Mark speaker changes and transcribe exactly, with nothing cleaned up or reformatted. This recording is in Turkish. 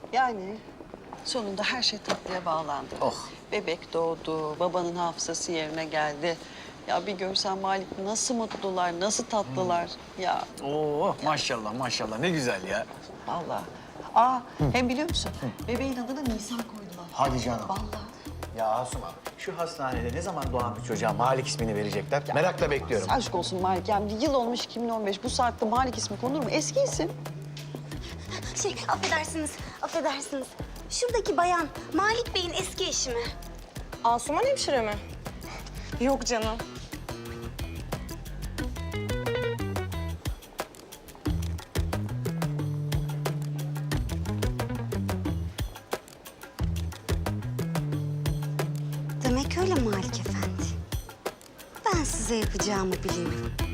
Speaker 1: Yani sonunda her şey tatlıya bağlandı.
Speaker 2: Oh.
Speaker 1: Bebek doğdu, babanın hafızası yerine geldi. Ya bir görsen Malik nasıl mutlular, nasıl tatlılar. Ya
Speaker 2: Oo maşallah maşallah ne güzel ya.
Speaker 1: vallahi. Aa hem biliyor musun? Bebeğin adını Nisan koydular.
Speaker 2: Hadi canım.
Speaker 1: Vallahi.
Speaker 2: Ya Asuman şu hastanede ne zaman doğan bir çocuğa Malik ismini verecekler? Merakla bekliyorum.
Speaker 1: Aşk olsun Malik. Yani bir yıl olmuş iki bin on beş. Bu saatte Malik ismi konur mu? Eski isim.
Speaker 3: Şey, affedersiniz, affedersiniz. Şuradaki bayan Malik Bey'in eski eşi mi?
Speaker 4: Asuman hemşire mi? Yok canım.
Speaker 3: Demek öyle Malik Efendi. Ben size yapacağımı biliyorum.